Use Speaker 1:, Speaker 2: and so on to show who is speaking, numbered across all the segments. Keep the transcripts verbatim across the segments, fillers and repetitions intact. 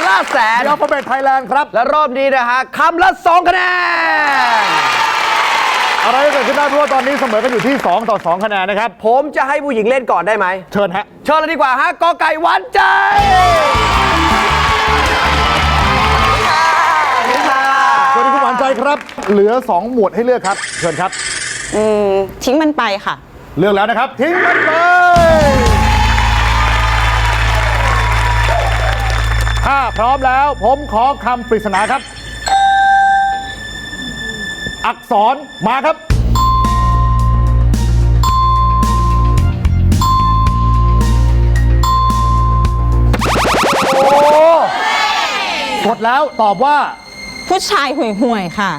Speaker 1: ล่าแสน
Speaker 2: อัลฟาเบตไทยแลนด์ครับ
Speaker 1: และรอบนี้นะฮะคำละสองคะแนน
Speaker 2: อะไรก็เกิดขึ้นได้เพราะว่าตอนนี้เสมอกันอยู่ที่สองต่อสองคะแนนนะครับ
Speaker 1: ผมจะให้ผู้หญิงเล่นก่อนได้ไหม
Speaker 2: เชิญฮะ
Speaker 1: เชิญเลยดีกว่าฮะกอไก่หวานใจ
Speaker 2: สวัสดีคุณหวานใจครับเหลือสองหมวดให้เลือกครับเชิญครับ
Speaker 3: อืมทิ้งมันไปค่ะ
Speaker 2: เลือกแล้วนะครับทิ้งมันไปถ้าพร้อมแล้วผมขอคำปริศนาครับอักษรมาครับโอ้กดแล้วตอบว่า
Speaker 3: ผู้ชายห่วยห่วยค่ะ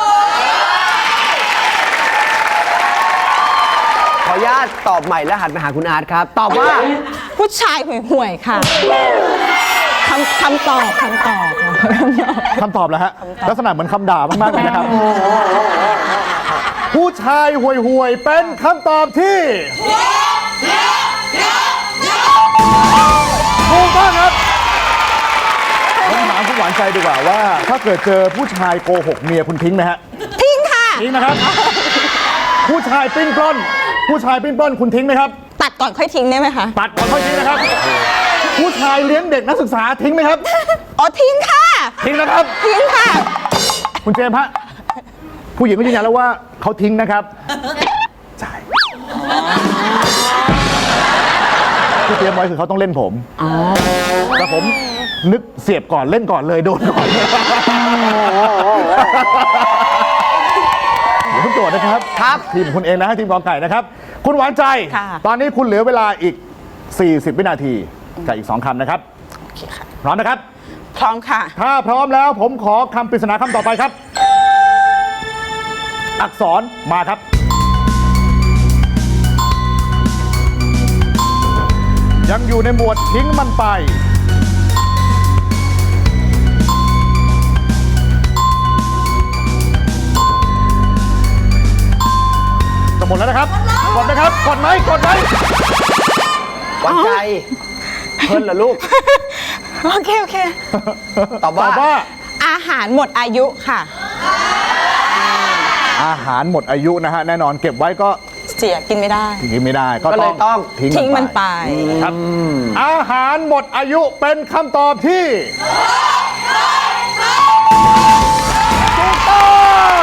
Speaker 1: ขออนุญาตตอบใหม่แล้วหันไปหาคุณอาร์ตครับตอบว่า
Speaker 3: ผู้ชายห่วยห่วยค่ะคำคำตอบคำตอบ
Speaker 2: คำตอบแล้วฮะลักษณะเหมือนคำด่ามากๆเลยนะครับผู้ชายห่วยห่วยเป็นคำตอบที่ถูกต้องครับผมถามคุณหวานใจดีกว่าว่าถ้าเกิดเจอผู้ชายโกหกเมียคุณทิ้งไหมฮะ
Speaker 3: ทิ้งค่ะ
Speaker 2: ทิ้งนะครับผู้ชายปิ้นปล้นผู้ชายปิ้นปล้นคุณทิ้งไหมครับ
Speaker 3: ตัดก่อนค่อยทิ้งได้ไหมคะ
Speaker 2: ตัดก่อนค่อยทิ้งนะครับผู้ชายเลี้ยงเด็กนักศึกษาทิ้งไหมครับ
Speaker 3: อ๋อทิ้งค่ะ
Speaker 2: ทิ้งนะครับ
Speaker 3: ทิ้งค่ะ
Speaker 2: คุณเจมส์ฮะผู้หญิงก็ยืนยันแล้วว่าเขาทิ้งนะครับใช่ที่เตรียมไว้คือเขาต้องเล่นผมแต่ผมนึกเสียบก่อนเล่นก่อนเลยโดนก่อนเดี๋ยวคุณโจทย์นะครับ
Speaker 1: ครับ
Speaker 2: ทีมคุณเองนะฮะทีมกองไก่นะครับคุณหวานใจตอนนี้คุณเหลือเวลาอีกสี่สิบวินาทีกับอีกสองคำนะครับ
Speaker 3: โอเคค่ะ
Speaker 2: พร้อมนะครับ
Speaker 3: พร้อมค่ะ
Speaker 2: ถ้าพร้อมแล้วผมขอคำปริศนาคำต่อไปครับอักษรมาครับยังอยู่ในหมวดทิ้งมันไปจะหมดแล้วนะครับกดนะครับกดไหมกดไหม
Speaker 1: หวานใจเพิ่นเหรอลูก
Speaker 3: โอเคโอเค
Speaker 1: ตอบว่า
Speaker 3: อาหารหมดอายุค่ะ
Speaker 2: อาหารหมดอายุนะฮะแน่นอนเก็บไว้ก็
Speaker 3: เสียกินไม่ได้
Speaker 2: กินไม่ได้ก็
Speaker 1: เลยต้อง
Speaker 3: ทิ้งมันไป
Speaker 2: ครับอาหารหมดอายุเป็นคำตอบที่ถูกต้อง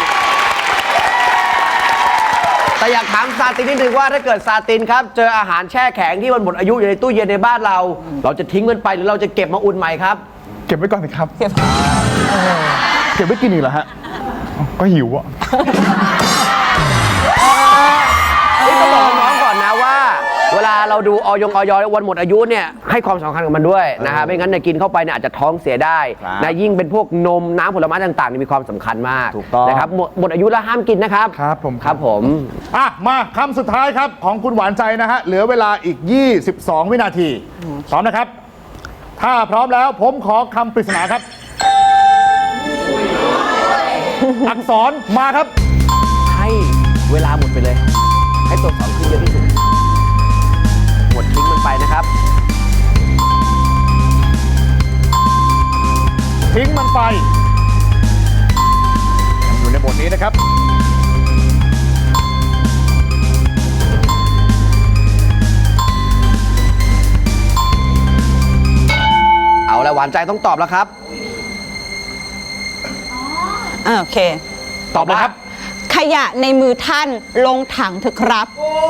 Speaker 1: แต่อยากถามซาตินนิดนึงว่าถ้าเกิดซาตินครับเจออาหารแช่แข็งที่มันหมดอายุอยู่ในตู้เย็นในบ้านเราเราจะทิ้งมันไปหรือเราจะเก็บมาอุ่นใหม่ครับ
Speaker 2: เก็บไว้ก่อนสิครับเก็บเก็บไว้กินอีกเหรอฮะก็หิวอ่ะ
Speaker 1: นี่ต้องบอกน้องก่อนนะว่าเวลาเราดูออยงออยวันหมดอายุเนี่ยให้ความสำคัญกับมันด้วยนะฮะไม่งั้นเนี่ยกินเข้าไปเนี่ยอาจจะท้องเสียได้นะยิ่งเป็นพวกนมน้ำผลไม้ต่างๆมีความสำคัญมากนะครับหมดหมดอายุแล้วห้ามกินนะครับ
Speaker 2: ครับผม
Speaker 1: ครับผม
Speaker 2: อ่ะมาคำสุดท้ายครับของคุณหวานใจนะฮะเหลือเวลาอีกยี่สิบสองวินาทีพร้อมนะครับถ้าพร้อมแล้วผมขอคำปริศนาครับอักษรมาครับ
Speaker 1: ให้เวลาหมดไปเลยให้ตัวอักษรขึ้นเยอะที่สุดหมดทิ้งมันไปนะครับ
Speaker 2: ทิ้งมันไปยังอยู่ในบทนี้นะครับ
Speaker 1: เอาละหวานใจต้องตอบแล้วครับ
Speaker 3: โอเค
Speaker 2: ตอบเลยครับ
Speaker 3: ขยะในมือท่านลงถังเถอะครับ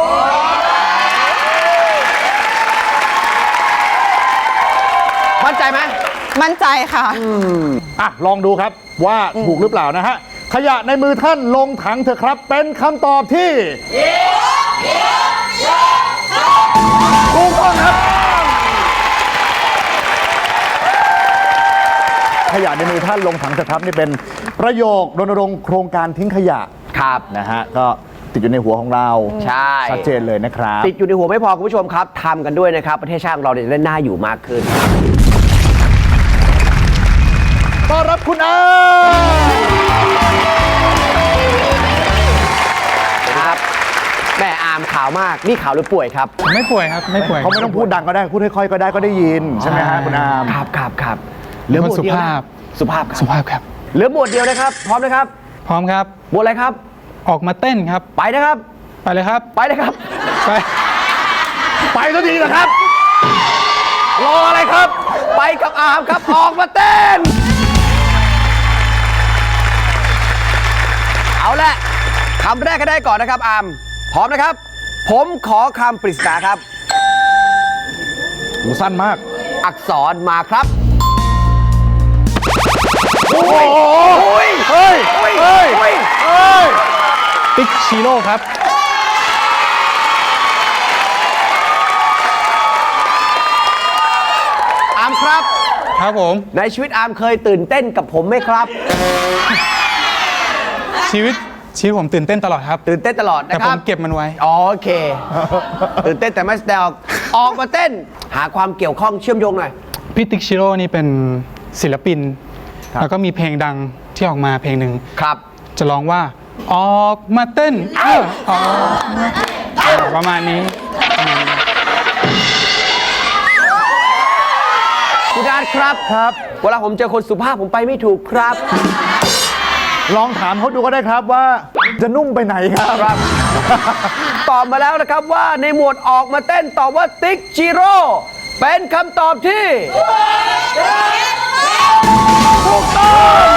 Speaker 1: มั่นใจไหม
Speaker 3: มั่นใจค่ะ
Speaker 2: อ่ะลองดูครับว่าถูกหรือเปล่านะฮะขยะในมือท่านลงถังเถอะครับเป็นคำตอบที่ถูกต้องครับขยะในมือท่านลงถังเถอะครับนี่เป็นประโยครณรงค์โครงการทิ้งขยะ
Speaker 1: ครับ
Speaker 2: นะฮะก็ติดอยู่ในหัวของเรา
Speaker 1: ใช่
Speaker 2: ชัดเจนเลยนะครับ
Speaker 1: ติดอยู่ในหัวไม่พอคุณผู้ชมครับทำกันด้วยนะครับประเทศชาติของเราจะได้น่าอยู่มากขึ้น
Speaker 2: ต้อนรับคุณอา
Speaker 1: ครับแม่อามข่าวมากนี่ข่าวหรือป่วยครับ
Speaker 4: ไม่ป่วยครับไม่ป่วย
Speaker 2: เขาไม่ต้องพูดดังก็ได้พูดค่อยๆก็ได้ก็ได้ยินใช่ไหมฮะคุณอาม
Speaker 1: ครับครับครับเหลือหมวด
Speaker 4: สุ
Speaker 1: เดียว
Speaker 4: ภา
Speaker 1: นะ
Speaker 4: พ
Speaker 1: สุภาพครับ
Speaker 4: สุภาพครับ
Speaker 1: เหลือหมวดเดียวนะครับ พร้อมนะครับ
Speaker 4: พร้อมครับ
Speaker 1: หมวดอะไรครับ
Speaker 4: ออกมาเต้นครับ
Speaker 1: ไปนะครับ
Speaker 4: ไปเลยครับ
Speaker 1: ไปเลยครับ
Speaker 4: ไป
Speaker 2: ไปสักทีนะครับ
Speaker 1: รออะไรครับ ไปกับอาร์มครับ ออกมาเต้น เอาละคำแรกก็ได้ก่อนนะครับอาร์มพร้อมนะครับ ผมขอคำปริศนาครับ
Speaker 2: หูสั้นมาก
Speaker 1: อักษรมาครับ
Speaker 2: โอ้โห
Speaker 1: โอ้ย
Speaker 2: เฮ้ย
Speaker 1: โอ้ย
Speaker 2: เฮ้ย
Speaker 1: โอ้ย
Speaker 2: เฮ้ย
Speaker 4: ติ๊กชิโร่ครับ
Speaker 1: อาร์มครับ
Speaker 4: ครับผม
Speaker 1: ในชีวิตอาร์มเคยตื่นเต้นกับผมไหมครับ
Speaker 4: ชีวิตชีวิตผมตื่นเต้นตลอดครับ
Speaker 1: ตื่นเต้นตลอด
Speaker 4: แต่
Speaker 1: นะค
Speaker 4: ผ
Speaker 1: รั
Speaker 4: ม
Speaker 1: บ
Speaker 4: เก็บมันไว้
Speaker 1: อ๋อโอเค ตื่นเต้นแต่ไม่แสดงออกออกมาเต้น หาความเกี่ยวข้องเชื่อมโยงหน่อย
Speaker 4: พี่ติ๊กชิโร่นี่เป็นศิลปิน
Speaker 2: ครับ
Speaker 4: แล้วก็มีเพลงดังที่ออกมาเพลงหนึ่ง
Speaker 1: ครับ
Speaker 4: จะร้องว่า ออกมาเต้นเออออกมาประมาณนี้
Speaker 1: คุณอาร์ตครับครับ เวลาผมเจอคนสุภาพผมไปไม่ถูกครับ
Speaker 2: ลองถามเขาดูก็ได้ครับว่าจะนุ่มไปไหนครับ
Speaker 1: ครับ ตอบมาแล้วนะครับว่าในหมวดออกมาเต้นตอบว่าติ๊กจิโร่เป็นคำตอบที่ถูกต้อง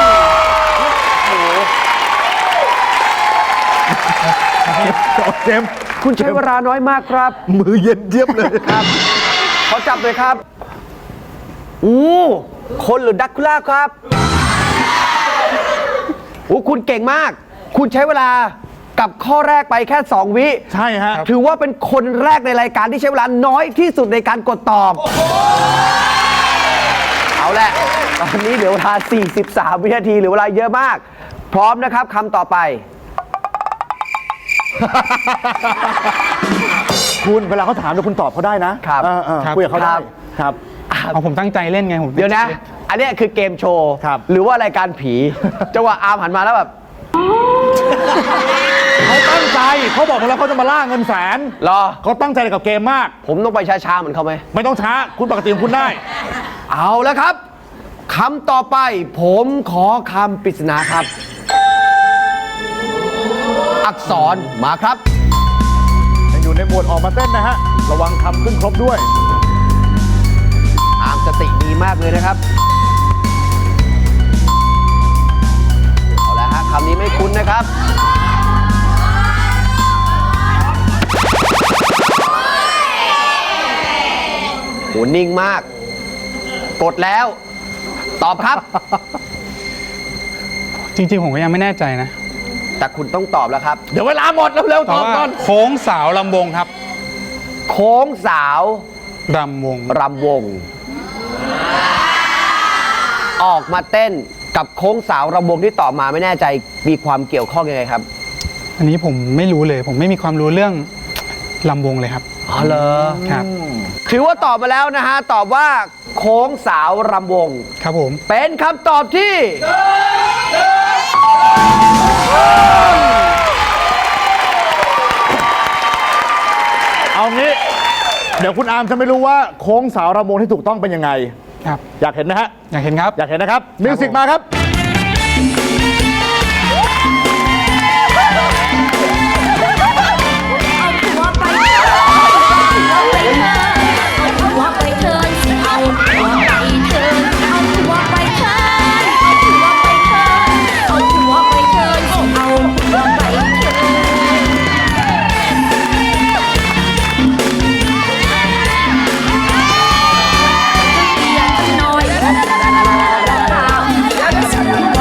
Speaker 2: เจมส์
Speaker 1: คุณใช้เวลาน้อยมากครับ
Speaker 2: มือเย็นเจี๊ยบเลยครับ
Speaker 1: เขาจับเลยครับอู้คนหรือดักคูล่าครับโอ้คุณเก่งมาก คุณใช้เวลากับข้อแรกไปแค่ สอง วิ
Speaker 2: ใช่ฮะ
Speaker 1: ถือว่าเป็นคนแรกในรายการที่ใช้เวลาน้อยที่สุดในการกดตอบ เอาแหละ ตอนนี้เหลือเวลา สี่สิบสาม วินาทีเหลือเวลาเยอะมาก พร้อมนะครับคำต่อไป
Speaker 2: คุณเวลาเขาถามเดี๋ยวคุณตอบเขาได้นะครับ เออเออ
Speaker 4: ครับ
Speaker 2: คุยกับเขาได้
Speaker 1: ครับ
Speaker 2: ครับ
Speaker 4: เอาผมตั้งใจเล่นไงผม
Speaker 1: เดี๋ยวนะ อันเนี้ยคือเกมโชว์
Speaker 2: ครับ
Speaker 1: หรือว่ารายการผี จังหวะอาร์มหันมาแล้วแบบ
Speaker 2: เขาตั้งใจเขาบอกมาแล้วเขาจะมาล่าเงินแสน
Speaker 1: รอ
Speaker 2: เขาตั้งใจกับเกมมาก
Speaker 1: ผมต้องไปช้าๆเหมือนเขาไหม
Speaker 2: ไม่ต้องช้า คุณปกติของคุณได้
Speaker 1: เอาแล้วครับคำต่อไป ผมขอคำปริศนาครับ อักษรมาครับ
Speaker 2: ยังอยู่ในหมวดออกมาเต้นนะฮะ ระวังคำขึ้นครบด้วย
Speaker 1: อาร์มสติดีมากเลยนะครับ เอาละฮะคำนี้ไม่คุ้นนะครับ โหนิ่งมาก กดแล้ว ตอบครับ
Speaker 4: จริง ๆ ผมก็ยังไม่แน่ใจนะ
Speaker 1: แต่คุณต้องตอบแล้วครับ
Speaker 2: เดี๋ยวเวลาหมดเร็วๆ
Speaker 4: แต่
Speaker 2: ตอบ
Speaker 4: ว่า
Speaker 2: ก่อน
Speaker 4: โค้งสาวลำวงครับ
Speaker 1: โค้งสาว
Speaker 4: รำวง
Speaker 1: รำวง ออกมาเต้นกับโค้งสาวรำวงที่ตอบมาไม่แน่ใจมีความเกี่ยวข้องยังไงครับ
Speaker 4: อันนี้ผมไม่รู้เลย ผมไม่มีความรู้เรื่องลำวงเลยครับ
Speaker 1: อ๋อเหรอ
Speaker 4: ครับ
Speaker 1: ถือว่าตอบมาแล้วนะฮะ ตอบว่าโค้งสาวรำวง
Speaker 4: ครับผม
Speaker 1: เป็นคำตอบที่
Speaker 2: เอางี้ เดี๋ยวคุณอาร์มจะไม่รู้ว่าโค้งสาวรำวงที่ถูกต้องเป็นยังไง
Speaker 4: ครับ
Speaker 2: อยากเห็นไหมฮะ
Speaker 4: อยากเห็นครับ
Speaker 2: อยากเห็นนะครับ มิวสิกมาครับ
Speaker 5: หัวไปเทินเอาหัวไปเทินเอาหัวไปเทินเอาหัวไปเทินเอาหัวไปเทินเอาหัวไปเทินเบียดหน่อยตามสวย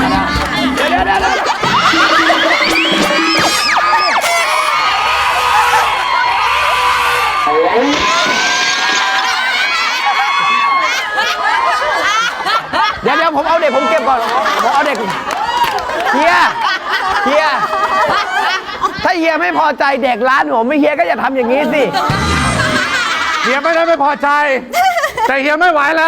Speaker 1: เดี๋ยวเดี๋ยวผมเอาเด็กผมเก็บก่อน ผมเอาเด็กเฮียเฮียถ้าเฮียไม่พอใจเด็กร้านผมไม่เฮียก็อย่าทำอย่างนี้สิ
Speaker 2: เฮียไม่ได้ไม่พอใจ แต่เฮียไม่ไหวแล้ว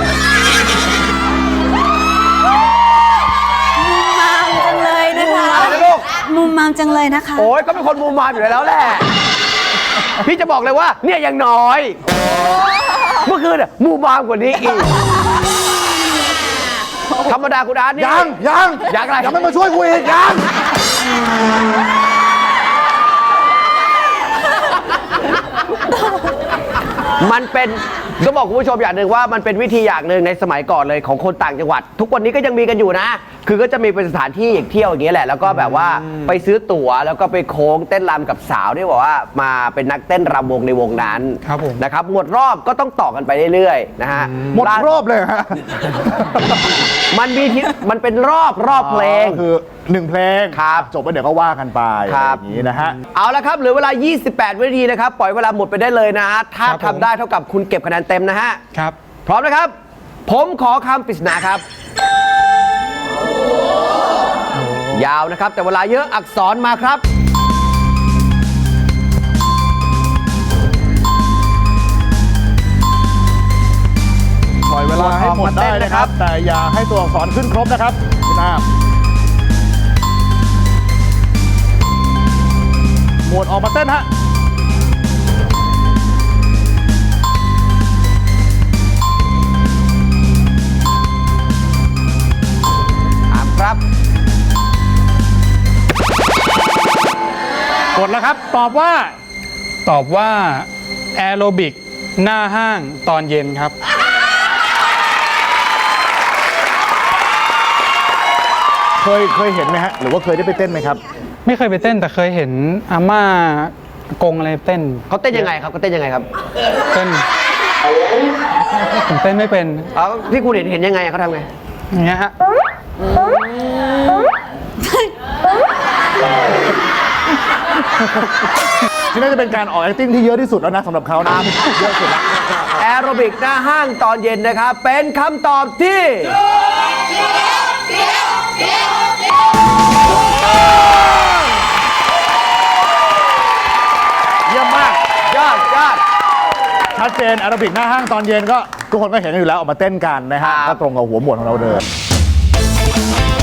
Speaker 3: มามจังเลยนะคะ
Speaker 1: อะไรนะลูก
Speaker 3: มุมมามจังเลยนะคะ
Speaker 1: โอ้ยก็เป็นคนมูมามอยู่แล้วแหละ พี่จะบอกเลยว่า เนี่ยยังน้อย เมื่อคืนอะมูมามกว่านี้อีกธรรมดาคุณอาร์ตนี่
Speaker 2: ยังยัง
Speaker 1: ยังอะไร
Speaker 2: ยังไม่มาช่วยกูอีกยัง
Speaker 1: มันเป็นก็บอกคุณผู้ชมอย่างหนึ่งว่ามันเป็นวิธีอย่างหนึ่งในสมัยก่อนเลยของคนต่างจังหวัด ทุกวันนี้ก็ยังมีกันอยู่นะ คือก็จะมีเป็นสถานที่เที่ยวอย่างเงี้ยแหละแล้วก็แบบว่าไปซื้อตั๋วแล้วก็ไปโค้งเต้นรำกับสาวที่บอกว่ามาเป็นนักเต้นรำวงในวงนั้น
Speaker 4: ครับผม
Speaker 1: นะครับหมดรอบก็ต้องต่อกันไปเรื่อยๆนะฮะ
Speaker 2: หมดรอบเลยฮะ
Speaker 1: มันมีที่มันเป็นรอบรอบเพลง
Speaker 2: ก็คือหนึ่งเพลง
Speaker 1: ครับ
Speaker 2: จบไปเดี๋ยวก็ว่ากันไป
Speaker 1: ค
Speaker 2: อะ
Speaker 1: รั
Speaker 2: ไร
Speaker 1: บ
Speaker 2: อย่างนี้นะฮะ
Speaker 1: เอาละครับเหลือเวลา ยี่สิบแปด วินาทีนะครับ ปล่อยเวลาหมดไปได้เลยนะฮะถ้า
Speaker 4: ครับผม
Speaker 1: ทำได้เท่ากับคุณเก็บคะแนนเต็มนะฮะ
Speaker 4: ครับ
Speaker 1: พร้อมนะครับ ผมขอคำปริศนาครับ ยาวนะครับ แต่เวลาเยอะอักษรมาครับ
Speaker 2: ปล่อยเวลาให้หมดได้นะครับ แต่อย่าให้ตัวอักษรขึ้นครบนะครับคุณอาหมวดออกมาเต้นฮะ
Speaker 1: ถามครับ
Speaker 2: กดแล้วครับ ตอบว่า
Speaker 4: ตอบว่าแอโรบิกหน้าห้างตอนเย็นครับ
Speaker 2: เคยเคยเห็นไหมฮะ หรือว่าเคยได้ไปเต้นไหมครับ
Speaker 4: ไม่เคยไปเต้นแต่เคยเห็นอาม่ากงอะไรเต้น
Speaker 1: เขาเต้นยังไงครับเขาเต้นยังไงครับ
Speaker 4: เต้นผมเต้นไม่เป็น
Speaker 1: เอาที่คุณเห็นเห็นยังไงเขาทำไง
Speaker 4: อย่างเงี้ยฮะ
Speaker 2: นี่น่าจะเป็นการออก acting ที่เยอะที่สุดแล้วนะสำหรับเขานะเยอะสุดแล้ว
Speaker 1: แอโรบิกหน้าห้างตอนเย็นนะครับ เป็นคำตอบที่เยี่ยมมาก ยอดยอด
Speaker 2: ชัดเจนแอโรบิกหน้าห้างตอนเย็นก็ทุกคนก็เห็นอยู่แล้วออกมาเต้นกันนะฮะ
Speaker 1: ครับ
Speaker 2: ก็ตรงกับหัวหมวดของเราเดิม